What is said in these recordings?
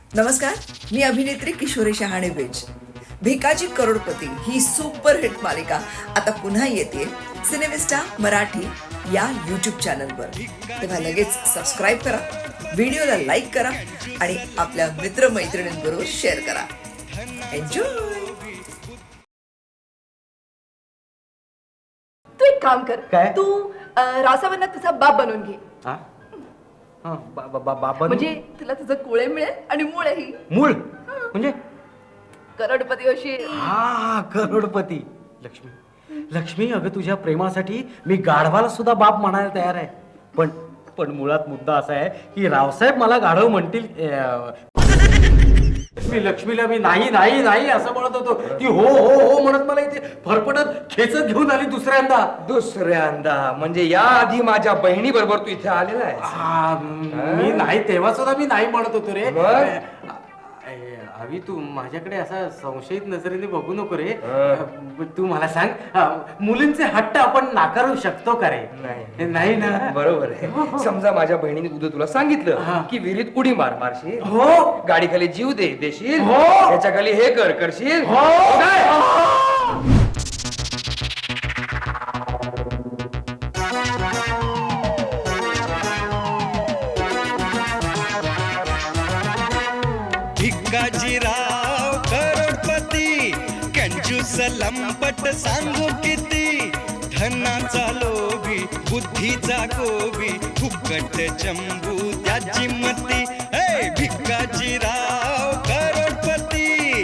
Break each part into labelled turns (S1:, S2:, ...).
S1: नमस्कार, मी अभिनेत्री किशोरी शहाणे बेज. भिकाजी करोडपती ही सुपरहिट मालिका आता पुन्हा येते सिनेमिस्टा मराठी या यूट्यूब चॅनलवर. तेव्हा लगेच सबस्क्राईब करा, व्हिडिओला लाईक करा आणि आपल्या मित्रमैत्रिणींबरोबर शेअर करा. एन्जॉय.
S2: तू एक काम कर.
S3: काय?
S2: तू रासावांना तुझा बाप बनवून घे.
S3: हा? हा, बाबा
S2: म्हणजे तुला तुझं कुळे मिळेल आणि मुळेही.
S3: मूळ म्हणजे
S2: करोडपती होशील.
S3: हा करोडपती. लक्ष्मी लक्ष्मी, अगं तुझ्या प्रेमासाठी मी गाढवाला सुद्धा बाप म्हणायला तयार आहे. पण पण मुळात मुद्दा असा आहे की रावसाहेब मला गाढव म्हणतील. मी लक्ष्मीला मी नाही नाही नाही असं म्हणत होतो, ती हो हो हो म्हणत मला इथे फरफटत खेचत घेऊन आली
S4: दुसऱ्यांदा म्हणजे या आधी माझ्या बहिणी बरोबर तू इथे आलेला आहे.
S3: मी नाही, तेव्हा सुद्धा मी नाही म्हणत होतो रे.
S4: मग?
S3: अभि, तू माझ्याकडे असा संशयित नजरेने बघू नको रे. तू मला सांग, मुलींचे हट्ट आपण नाकारू शकतो का रे? नाही ना.
S4: बरोबर आहे. समजा माझ्या बहिणीने उद्या तुला सांगितलं की विहिरीत उडी मारशील,
S3: हो.
S4: गाडी खाली जीव देशील,
S3: हो.
S4: त्याच्या खाली हे करशील,
S3: हो.
S5: भिकाजीराव करोडपती, कंजूस लंपट सांगू किती, धनाचा लोभी बुद्धीचा गोबी, फुकट चंबू त्याची मती. हे भिकाजीराव करोडपती.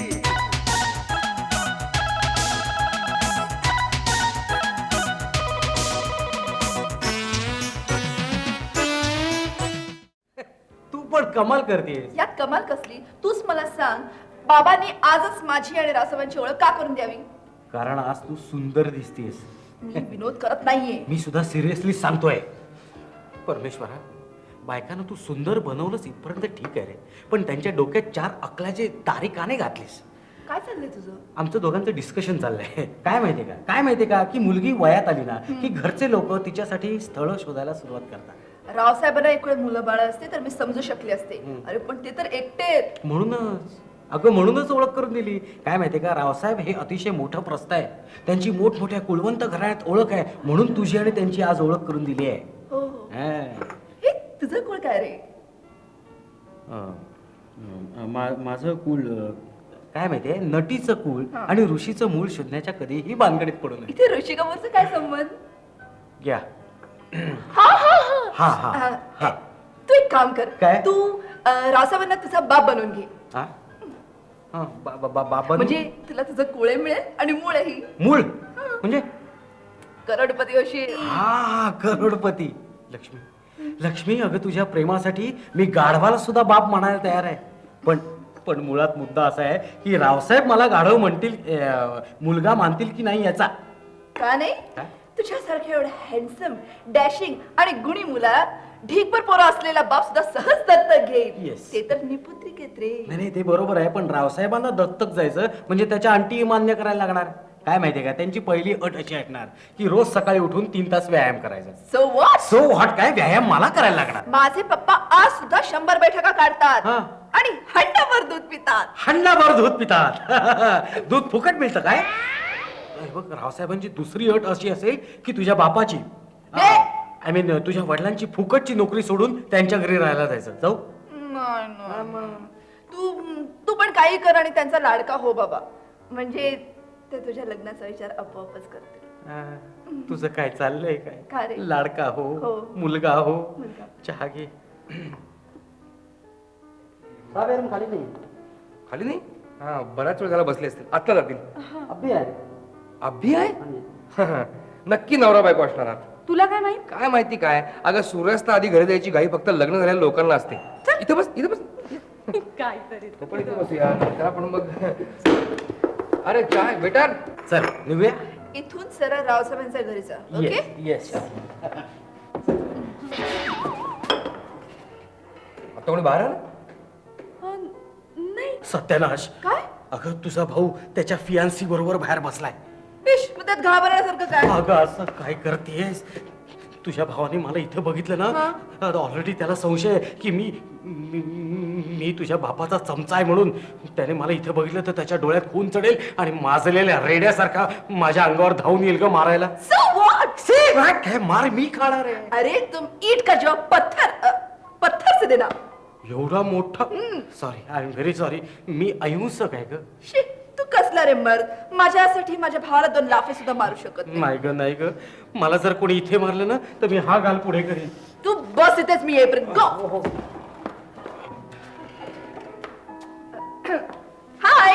S3: तू पण कमाल करतेस.
S2: यात कमाल कसली? तूच मला सांग, बाबांनी आजच माझी आणि रासवांची ओळख का करून द्यावी?
S3: कारण आज तू सुंदर दिसतेस.
S2: मी विनोद करत नाहीये.
S3: मी सुद्धा सिरियसली सांगतोय. परमेश्वरा, बायकांना तू सुंदर बनवलंस इथपर्यंत ठीक आहे रे, पण त्यांच्या डोक्यात 4 अकलाचे तारे का नाही घातलीस?
S2: काय चाललंय तुझं?
S3: आमचं दोघांचं डिस्कशन चाललंय. काय माहितीये का की मुलगी वयात आली ना की घरचे लोक तिच्यासाठी स्थळ शोधायला सुरुवात करतात.
S2: रावसाहेबांना एक वेळ मुलं बाळ असते तर मी समजू शकले असते. अरे पण ते तर एकटे.
S3: म्हणूनच ओळख करून दिली. काय माहितीये का, रावसाहेब हे अतिशय मोठं प्रस्थ आहे. त्यांची मोठमोठ्या कुलवंत घराण्यात ओळख आहे, म्हणून तुझी आणि त्यांची आज ओळख करून दिली आहे.
S2: हो हो.
S3: हा.
S2: हे तुझं कुळ काय रे?
S3: माझं कुल काय माहितीये, नटीचं कुल आणि ऋषीचं मूळ शोधण्याच्या कधीही भानगडीत पडू नये.
S2: इथे ऋषिकमरचा काय संबंध?
S3: घ्या.
S2: हा हा
S3: हा हा
S2: हा.
S3: हा.
S2: तू एक काम कर.
S3: काय?
S2: तू रासावांना तुझा बाप बनवून घे.
S3: हा? हा, बाबा
S2: म्हणजे तुला तुझं कुळे मिळेल आणि मुळेही.
S3: मूळ म्हणजे
S2: करोडपती होशील.
S3: हा करोडपती. लक्ष्मी, अगं तुझ्या प्रेमासाठी मी गाढवाला सुद्धा बाप म्हणायला तयार आहे. पण पण मुळात मुद्दा असा आहे की रावसाहेब मला गाढव म्हणतील, मुलगा मानतील की नाही याचा.
S2: का नाही? तुझ्यासारख्या एवढं हँडसम, डॅशिंग आणि गुणी मुला ढीकभर पोरं असलेला बाप सुद्धा सहज दत्तक घेईल.
S3: Yes.
S2: ते तर निपुत्रिकेत रे.
S3: नाही ते बरोबर आहे, पण रावसाहेबांना दत्तक जायचं म्हणजे त्याच्या अंटी मान्य करायला लागणार. काय माहितीये का, त्यांची पहिली अट अशी असणार की रोज सकाळी उठून 3 तास व्यायाम करायचा.
S2: So what?
S3: So what? काय व्यायाम मला करायला लागणार?
S2: माझे पप्पा आज सुद्धा 100 बैठका काढतात
S3: हा.
S2: आणि हंडाभर दूध पितात.
S3: हंडाभर दूध पितात. दूध फुकट मिळतं काय? बघ, रावसाहेबांची दुसरी अट अशी असेल की तुझ्या बापाची, आय मीन तुझ्या वडिलांची फुकटची नोकरी सोडून त्यांच्या घरी राहायला जायचं. जाऊ?
S2: तू पण काही कर आणि त्यांचा लाडका हो बाबा. म्हणजे ते तुझ्या लग्नाचा विचार आपोआपच करते.
S3: तुझं काय चाललंय
S2: का
S3: काय?
S2: रे?
S3: लाडका हो,
S2: हो.
S3: मुलगा हो.
S2: मुलगा.
S3: चहा घे. खाली नाही.
S4: खाली नाही? हा, बराच वेळ झाला बसले असतील, आता जातील.
S3: अभि आहे.
S4: अभि आहे? नक्की नवरा बायको असणार आहात.
S2: तुला काय माहित?
S4: काय माहिती काय? अगं सूर्यास्त आधी घरी द्यायची घाई फक्त लग्न झालेल्या लोकांना असते. इथं बस.
S2: काय तरी.
S4: तो पण इथे बसूया. त्याला पण मग अरे चाय बेटा.
S3: चल निघूया.
S2: इथून सरळ रावसाहेबांच्या घरी जा. ओके?
S3: येस.
S4: आता कोणी बाहेर आलं?
S2: नाही.
S3: सत्यानाश.
S2: काय?
S3: अगं तुझा भाऊ त्याच्या फियांसी बरोबर बाहेर बसलाय.
S2: इश, मग त्यात घाबरण्यासारखं काय?
S3: अगं असं काय करतेस? तुझ्या भावाने मला इथं बघितलं ना, ऑलरेडी त्याला संशय आहे की मी तुझ्या बापाचा चमचा आहे म्हणून त्याने मला इथे बघितलं तर त्याच्या डोळ्यात खून चढेल आणि माजलेल्या रेड्यासारखा माझ्या अंगावर धावून येईल ग मारायला.
S2: So what?
S3: काय मार मी खाणार आहे.
S2: अरे तुम ईट का जवाब पत्थर से देना.
S3: एवढा मोठा sorry I am very sorry. मी अहिंसक आहे ग.
S2: शी, तू कसला रे मर्द. माझ्यासाठी माझ्या भावाला 2 लाफे सुद्धा मारू शकत नाही.
S3: नाही ग नाही ग. मला जर कोणी इथे मारलं ना तर मी हा गाल पुढे करीन.
S2: तू बस इथेच, मी येईपर्यंत गो. हाय.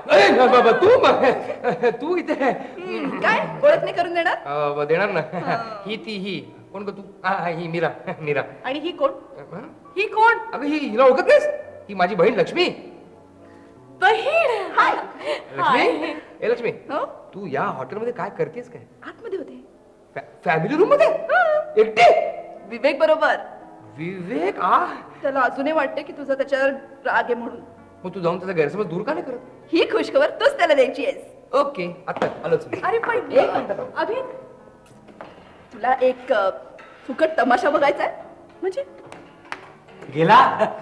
S4: तू इथे
S2: काय ओळख नाही करून देणार?
S4: देणार ना. ही कोण ग तू? ही मीरा.
S2: आणि ही कोण? ही कोण?
S4: अगं हिला ओळखत नाहीस? ही माझी बहीण लक्ष्मी.
S2: बहीण. हाय.
S4: लक्ष्मी ए लक्ष्मी,
S2: हो?
S4: तू या हॉटेलमध्ये काय करतेस काय?
S2: आतमध्ये होते
S4: फॅमिली रूम मध्ये एकटे?
S2: विवेक बरोबर.
S4: विवेक
S2: त्याला अजूनही वाटते की तुझा त्याच्यावर राग आहे म्हणून.
S4: मग तू जाऊन त्याचा गैरसमज दूर का नाही करत?
S2: ही खुशखबर तूच त्याला द्यायची आहेस.
S4: ओके आता आलोच मी.
S2: अरे पण एक मिनिट अभि, तुला एक फुकट तमाशा बघायचा आहे म्हणजे?
S3: गेला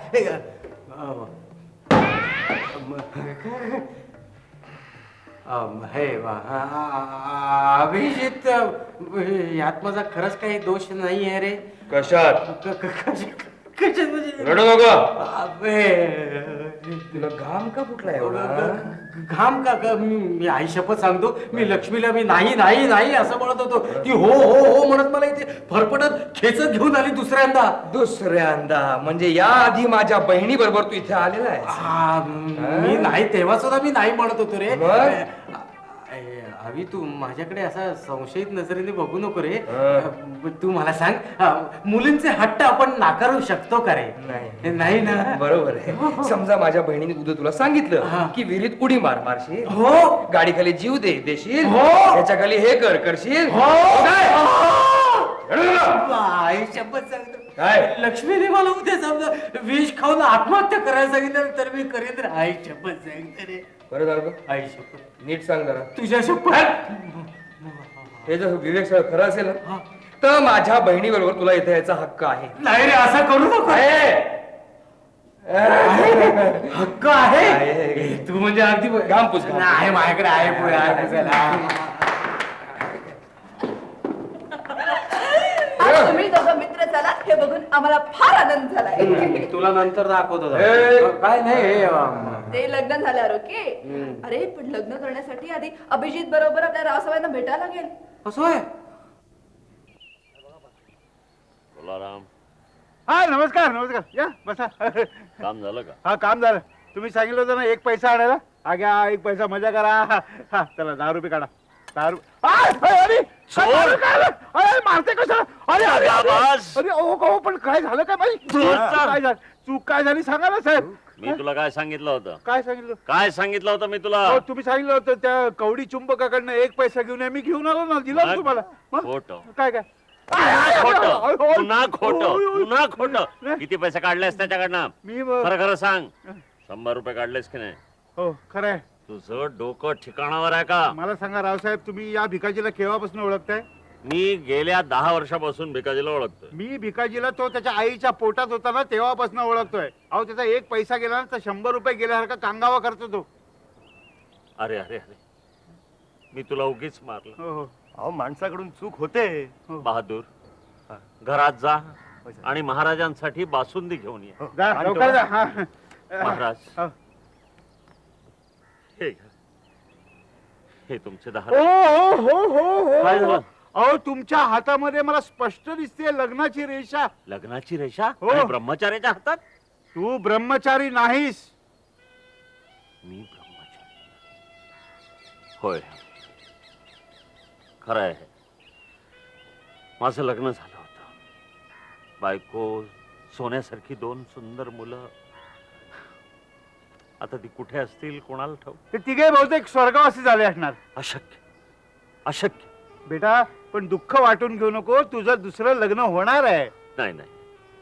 S3: हे अभिजित यात माझा खरंच काही दोष नाही आहे रे.
S4: कशात?
S3: कशात म्हणजे
S4: रडू नको.
S3: अबे,
S4: तुला घाम का फुटला एवढा?
S3: घाम का मी आई शपथ सांगतो, मी लक्ष्मीला मी नाही नाही नाही असं म्हणत होतो. ती हो हो हो म्हणत मला इथे फरफटत खेचत घेऊन आली
S4: दुसऱ्यांदा म्हणजे या आधी माझ्या बहिणी बरोबर तू इथे आलेला आहे.
S3: मी नाही तेव्हा सुद्धा मी नाही म्हणत होतो रे.
S4: मग?
S3: अभि तू माझ्याकडे असा संशयित नजरेने बघू नको रे.
S4: हं.
S3: तू मला सांग, मुलींचे हट्ट आपण नाकारू शकतो का रे? नाही ना.
S4: बरोबर आहे. समजा माझ्या बहिणीने उद्या तुला सांगितलं की विहिरीत उडी मारशील,
S3: हो
S4: गाडी खाली जीव देशील,
S3: हो.
S4: त्याच्या खाली हे करशील,
S3: हो.
S4: काय?
S3: आई शपथ सांगतो,
S4: काय?
S3: लक्ष्मीने मला उद्या समजा विष खाऊन आत्महत्या करायला सांगितलं तर मी करेन रे. आई शपथ सांगते रे.
S4: बरं झालं ग?
S3: आई शपथ,
S4: नीट सांग जरा.
S3: तुझ्या शपथ.
S4: हे जर विवेक सगळं खरं असेल ना तर माझ्या बहिणी बरोबर तुला इथे यायचा हक्क आहे.
S3: नाही रे असं करू नको. हक्क आहे.
S4: आहे.
S3: तू म्हणजे अगदी
S4: घाम पुस, घाम पुस.
S3: नाही माझ्याकडे आहे पुढे आहे पुसायला.
S2: आज तुम्ही दोघं मित्र झालात हे बघून आम्हाला फार आनंद झालाय.
S3: तुला नंतर दाखवतो.
S4: ए.
S3: काय नाही
S2: ते लग्न झाल्यावर ओके. अरे पण लग्न करण्यासाठी आधी अभिजित बरोबर आपल्या रावसाहेबांना भेटायला लागेल.
S3: असं आहे.
S6: तुलाराम,
S7: हा नमस्कार नमस्कार या बसा.
S6: काम झालं का?
S7: हा काम झालं. तुम्ही सांगितलं होतं ना 1 पैसा आणायला. हा घ्या 1 पैसा मजा करा. हा चला 10 रुपये काढा. 10 रुपये. अरे मारते कसं? अरे अरे
S6: आवाज!
S7: अरे ओ पण काय झालं काय बाई? काय झालं? चूक काय झाली सांगा ना साहेब.
S6: मी तुला काय सांगितलं होतं?
S7: काय सांगितलं?
S6: काय सांगितलं होतं मी तुला?
S7: हो तुम्ही सांगितलं होतं त्या कवडी चुंबकाकडनं 1 पैसा घेऊन या. मी घेऊन आलो ना, दिला ना तुम्हाला. मग?
S6: खोटं.
S7: काय काय
S6: खोटं. पुन्हा खोटं. पुन्हा खोटं.
S7: नाही.
S6: किती पैसे काढलेस त्याच्याकडनं?
S7: मी
S6: खरं खरं सांग. 100 रुपये काढलेस की नाही?
S7: हो खरं आहे.
S6: तुझं डोकं ठिकाणावर आहे का?
S7: मला सांगा रावसाहेब, तुम्ही या भिकाजीला केव्हापासून ओळखताय?
S6: मी गेल्या 10 वर्षापासून भिकाजीला ओळखतोय.
S7: मी भिकाजीला तो त्याच्या आईच्या पोटात होता ना तेव्हापासून ओळखतोय. अहो त्याचा 1 पैसा गेला ना तर 100 रुपये गेल्यासारखा कांगावा करतो तो.
S6: अरे अरे अरे, मी तुला उगीच मारलं.
S7: हो हो
S8: अहो माणसाकडून चूक होते.
S6: बहादूर, घरात जा आणि महाराजांसाठी बासुंदी घेऊन ये.
S7: जा लवकर जा. हा.
S6: महाराज,
S7: हो.
S6: हे घ्या. हे तुमचे 10.
S7: हो हो हो हो
S6: काय
S7: हो.
S6: झालं?
S7: अहो तुमच्या हातामध्ये मला स्पष्ट दिसते लग्नाची रेषा.
S6: लग्नाची रेषा
S7: हो.
S6: आणि ब्रह्मचार्याच्या हातात?
S7: तू ब्रह्मचारी नाहीस.
S6: मी ब्रह्मचारी होय, खरं आहे. माझं लग्न झालं होतं. बायको, सोन्यासारखी 2 सुंदर मुलं. आता ती कुठे असतील कोणाला ठाऊक.
S7: ते तिघे बहुतेक स्वर्गवासी झाले असणार.
S6: अशक्य, अशक्य.
S7: बेटा पण दुःख वाटून घेऊ नको, तुझं दुसरं लग्न होणार आहे.
S6: नाही नाही,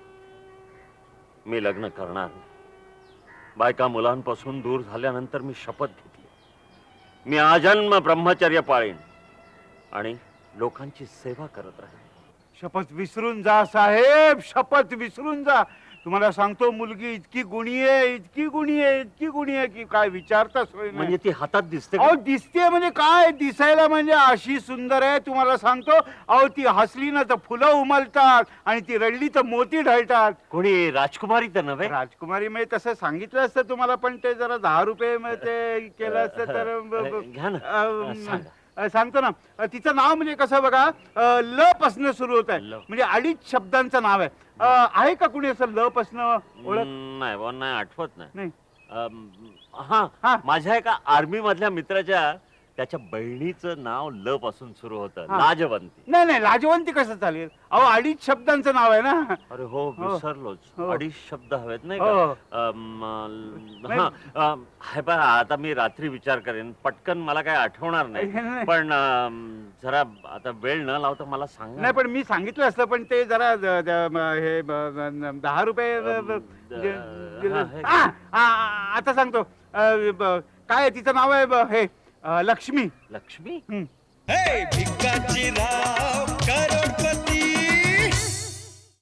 S6: मी लग्न करणार नाही. बायका मुलांपासून दूर झाल्यानंतर मी शपथ घेतली, मी आजन्म ब्रह्मचर्य पाळीन आणि लोकांची सेवा करत राहीन.
S7: शपथ विसरून जा साहेब, शपथ विसरून जा. तुम्हाला सांगतो मुलगी इतकी गुणी आहे, इतकी गुणी आहे, इतकी गुणी आहे की काय विचारता सोय नाही.
S6: म्हणजे ती हातात दिसते का?
S7: अहो दिसते म्हणजे काय, दिसायला म्हणजे अशी सुंदर आहे तुम्हाला सांगतो. अहो ती हसली ना तर फुलं उमलतात आणि ती रडली तर मोती ढळतात.
S6: कोणी राजकुमारी तर नव्हे?
S7: राजकुमारी म्हणजे तसं सांगितलं असतं तुम्हाला, पण ते जरा 10 रुपये ते केलं असतं तर
S6: घ्या ना. सांगा.
S7: सांगतो ना. तिचं नाव म्हणजे कसं बघा, ल पासनं सुरू होत आहे,
S6: ल.
S7: म्हणजे 2.5 शब्दांचं नाव आहे. आहे का कुणी असं ल पासनं ओळख?
S6: नाही बुवा, नाही आठवत नाही.
S7: नाही.
S6: हा
S7: हा.
S6: माझ्या एका आर्मी मधल्या मित्राच्या त्याच्या बहिणीचं नाव ल पासून सुरू होतं,
S7: हा.
S6: लाजवंती.
S7: नाही नाही, लाजवंती कसं चालेल? अहो 2.5 शब्दांचं नाव आहे ना.
S6: अरे हो, विसरलोच.
S7: हो.
S6: 2.5 शब्द हवेत नाही
S7: हो.
S6: का? हे पहा, आता मी रात्री विचार करेन, पटकन मला काय आठवणार नाही.
S7: नाही.
S6: पण जरा आता वेळ न लावता मला सांगा.
S7: नाही पण मी सांगितलं असतं, पण ते जरा हे 10 रुपये
S6: हा, हे.
S7: आता सांगतो. काय आहे? तिचं नाव आहे हे लक्ष्मी.
S6: लक्ष्मी.
S5: हे भिकाजी राव